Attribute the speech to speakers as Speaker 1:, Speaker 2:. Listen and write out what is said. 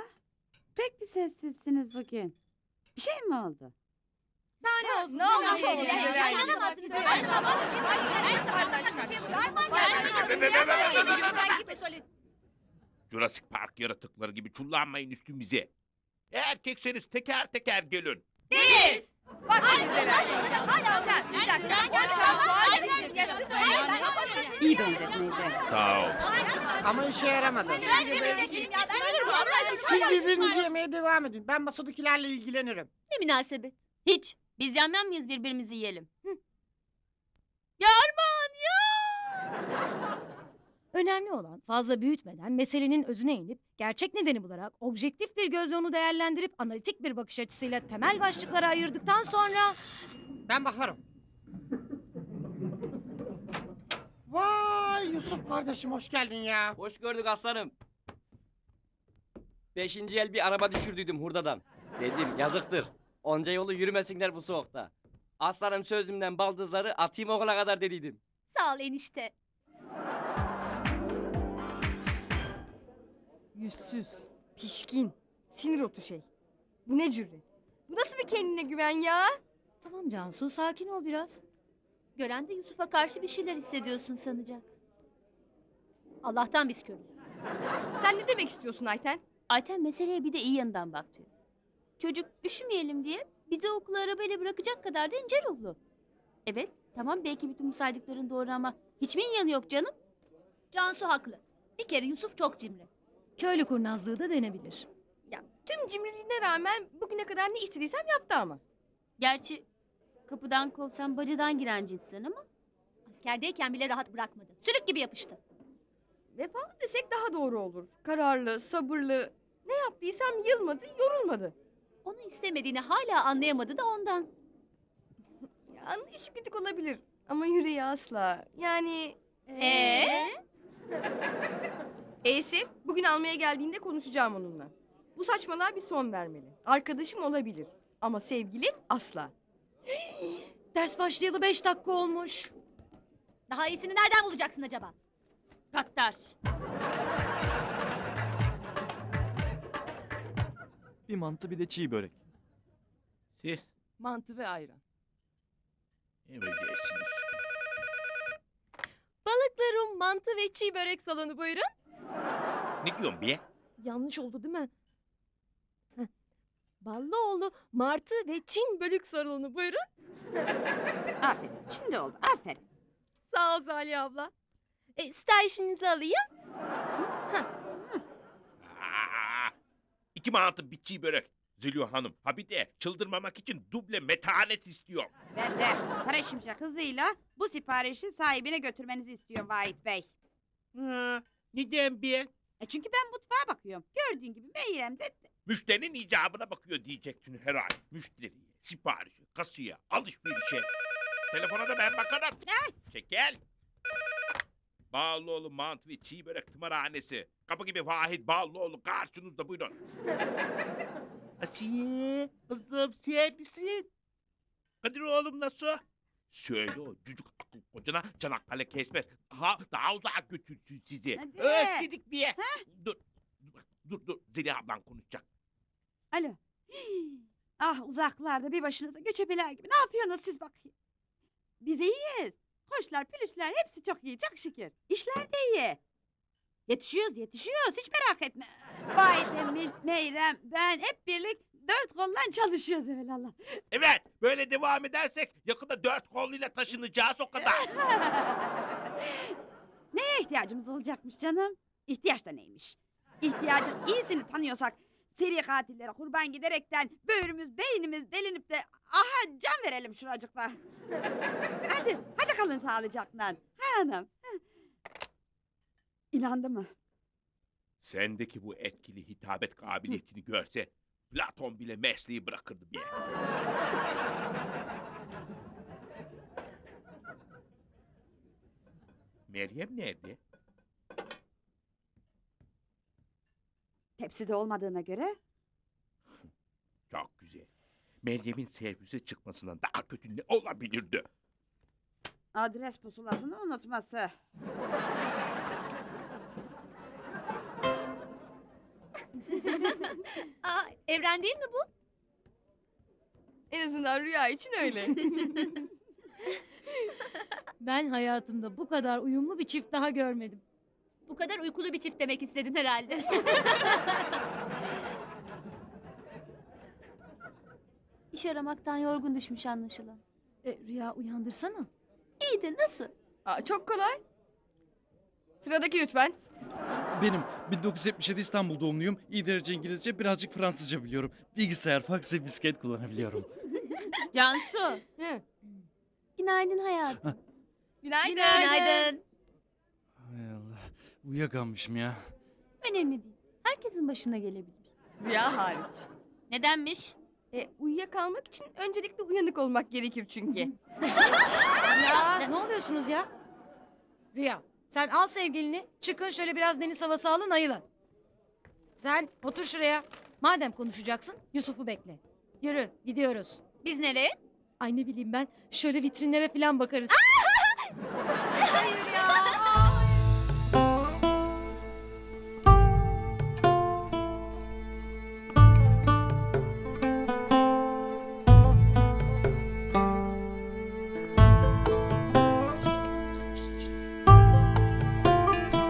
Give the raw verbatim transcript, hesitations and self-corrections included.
Speaker 1: abla? Pek bir sessizsiniz bugün. Bir şey mi oldu?
Speaker 2: Daha ne olsun?
Speaker 3: Ne oldu?
Speaker 2: Nasıl
Speaker 3: Ne
Speaker 2: olur?
Speaker 3: oldu?
Speaker 2: İnanamazsınız.
Speaker 3: Ne oldu?
Speaker 2: Ben şu an vallahi
Speaker 3: Hayır,
Speaker 2: bilmiyorum.
Speaker 3: hayır,
Speaker 2: Ben
Speaker 3: hayır,
Speaker 2: sana bir şey
Speaker 3: hayır,
Speaker 2: var mı?
Speaker 3: hayır,
Speaker 2: Ben
Speaker 3: hayır,
Speaker 2: sana bir
Speaker 3: hayır,
Speaker 2: şey
Speaker 3: hayır,
Speaker 2: var mı?
Speaker 3: hayır,
Speaker 2: Sen
Speaker 3: hayır,
Speaker 2: gibi söyle.
Speaker 4: Jurassic Park yaratıkları gibi çullanmayın üstümüze. Erkekseniz teker teker gelin.
Speaker 3: Biz! Bak şimdi
Speaker 2: Hayır,
Speaker 3: neler
Speaker 2: hayır,
Speaker 3: söyleyeceğim.
Speaker 2: hayır,
Speaker 3: Bir dakika,
Speaker 2: hayır,
Speaker 3: bir dakika.
Speaker 2: hayır,
Speaker 3: O
Speaker 2: hayır,
Speaker 3: şampuan
Speaker 2: hayır,
Speaker 3: sizin
Speaker 2: hayır,
Speaker 3: yazık
Speaker 2: hayır,
Speaker 3: öyle.
Speaker 2: hayır,
Speaker 3: Ben
Speaker 2: hayır.
Speaker 1: İyi benzetmeydi.
Speaker 4: Sağ ol.
Speaker 5: Ama işe yaramadı.
Speaker 2: Ben de vereceğim ya. Ben
Speaker 3: Olur mu Allah aşkına?
Speaker 5: Siz birbirinizi yemeye devam edin. Ben masadakilerle ilgilenirim.
Speaker 6: Ne münasebet. Hiç. Biz yenmem miyiz birbirimizi yiyelim? Hı. Ya Armağan ya!
Speaker 7: Önemli olan fazla büyütmeden meselenin özüne inip gerçek nedeni bularak objektif bir gözle onu değerlendirip analitik bir bakış açısıyla temel başlıklara ayırdıktan sonra
Speaker 5: Ben bakarım. Vay Yusuf kardeşim hoş geldin ya.
Speaker 8: Hoş gördük aslanım. Beşinci el bir araba düşürdüydüm hurdadan. Dedim yazıktır. Onca yolu yürümesinler bu soğukta. Aslanım sözümden baldızları atayım okula kadar dediydim.
Speaker 6: Sağ ol enişte.
Speaker 2: Yüzsüz, pişkin, sinir otu şey. Bu ne cüret? Bu nasıl bir kendine güven ya?
Speaker 7: tamam Cansu sakin ol biraz.
Speaker 6: Gören de Yusuf'a karşı bir şeyler hissediyorsun sanacak. Allah'tan biz körüz.
Speaker 2: Sen ne demek istiyorsun Ayten?
Speaker 6: Ayten meseleye bir de iyi yanından bak diyor. Çocuk üşümeyelim diye bizi okula arabayla bırakacak kadar da ince ruhlu. Evet, tamam belki bütün bu saydıkların doğru ama hiç mi yanı yok canım? Cansu haklı. Bir kere Yusuf çok cimri.
Speaker 7: Köylü kurnazlığı da denebilir.
Speaker 2: Ya tüm cimriliğine rağmen bugüne kadar ne istediysem yaptı ama.
Speaker 6: Gerçi kapıdan kovsam bacadan giren cinsten ama askerdeyken bile rahat bırakmadı. Sürük gibi yapıştı.
Speaker 2: Vefalı desek daha doğru olur. Kararlı, sabırlı. Ne yaptıysam yılmadı, yorulmadı.
Speaker 6: Onu istemediğini hala anlayamadı da ondan.
Speaker 2: Ya, anlayışı güdük olabilir. Ama yüreği asla. Yani...
Speaker 6: Ee?
Speaker 2: E'si bugün almaya geldiğinde konuşacağım onunla. Bu saçmalığa bir son vermeli. Arkadaşım olabilir. Ama sevgilim asla.
Speaker 7: Ders başlayalı beş dakika olmuş.
Speaker 6: Daha iyisini nereden bulacaksın acaba? Gattar.
Speaker 9: Bir mantı bir de çiğ börek.
Speaker 4: Siz
Speaker 3: Mantı ve ayran.
Speaker 4: emredersiniz.
Speaker 3: Balıklarım mantı ve çiğ börek salonu buyurun.
Speaker 4: Ne diyorsun be?
Speaker 3: Yanlış oldu değil mi? Heh. Ballıoğlu martı ve Çin bölük salonu buyurun.
Speaker 1: Aferin. Şimdi oldu. Aferin.
Speaker 3: Sağ ol Zalihe abla. E, siparişinizi alayım.
Speaker 4: Aa, iki mantı bir çiğ börek. Zülüyor Hanım. Ha bir de çıldırmamak için duble metanet istiyor.
Speaker 1: Ben de para şimşek hızıyla bu siparişi sahibine götürmenizi istiyorum Vahit Bey.
Speaker 4: Ha, neden be?
Speaker 1: E çünkü ben mutfağa bakıyorum. Gördüğün gibi Meyrem de...
Speaker 4: Müşterinin icabına bakıyor diyeceksin herhalde. Müşteriye, siparişe, kasaya, alışverişe. Telefona da ben bakarım. Çekel. Bağlıoğlu mantı ve çiğ börek tımarhanesi. Kapı gibi Vahit Bağlıoğlu karşınızda buyurun. Asiye, kızım sen misin? Kadir oğlum nasıl? Söyle o cücük akıl kocana Çanakkale kesmez. Ha, daha uzak götürsün sizi.
Speaker 1: Hadi.
Speaker 4: Özledik bir. Dur, dur, dur, dur. Zeliha ablan konuşacak.
Speaker 1: Alo. Ah uzaklarda bir başınıza göçebeler gibi. Ne yapıyorsunuz siz bakayım? Biz iyiyiz. Koçlar, pülüşler hepsi çok iyi, çok şükür. İşler de iyi. Yetişiyoruz, yetişiyoruz. Hiç merak etme. Vay Emin, Meyrem, ben hep birlik dört koldan çalışıyoruz evelallah.
Speaker 4: Evet, böyle devam edersek yakında dört kolluyla taşınacağız o kadar.
Speaker 1: Neye ihtiyacımız olacakmış canım? İhtiyaç da neymiş? İhtiyacın iyisini tanıyorsak seri katillere kurban giderekten böğrümüz, beynimiz delinip de aha can verelim şuracıkta. Hadi, hadi kalın sağlıcakla. Ha hanım. İnandı mı?
Speaker 4: Sendeki bu etkili hitabet kabiliyetini görse Platon bile mesleği bırakırdı bir. Meryem nerede?
Speaker 1: Tepside olmadığına göre
Speaker 4: Çok güzel. Meryem'in servise çıkmasından daha kötü ne olabilirdi?
Speaker 1: adres pusulasını unutması.
Speaker 3: Aa, evren değil mi bu?
Speaker 2: En azından rüya için öyle.
Speaker 7: Ben hayatımda bu kadar uyumlu bir çift daha görmedim.
Speaker 6: Bu kadar uykulu bir çift demek istedin herhalde. İş aramaktan yorgun düşmüş anlaşılan.
Speaker 7: E, Rüya uyandırsana.
Speaker 6: İyi de nasıl?
Speaker 2: Aa, çok kolay. Sıradaki lütfen.
Speaker 9: Benim bin dokuz yüz yetmiş yedi İstanbul doğumluyum. İyi derece İngilizce, birazcık Fransızca biliyorum. Bilgisayar, faks ve bisiklet kullanabiliyorum.
Speaker 6: Cansu.
Speaker 2: Hı.
Speaker 6: Günaydın hayatım.
Speaker 2: Günaydın.
Speaker 6: Günaydın.
Speaker 9: Hay Allah. Uyuyakalmışım ya.
Speaker 6: Önemli değil. Herkesin başına gelebilir.
Speaker 2: Rüya hariç.
Speaker 6: Nedenmiş?
Speaker 2: E, uyuyakalmak için öncelikle uyanık olmak gerekir çünkü.
Speaker 7: Ya ne oluyorsunuz ya? Rüya sen al sevgilini çıkın şöyle biraz deniz havası alın ayılın. Sen otur şuraya. Madem konuşacaksın Yusuf'u bekle. Yürü gidiyoruz.
Speaker 6: Biz nereye?
Speaker 7: Ay ne bileyim ben şöyle vitrinlere falan bakarız.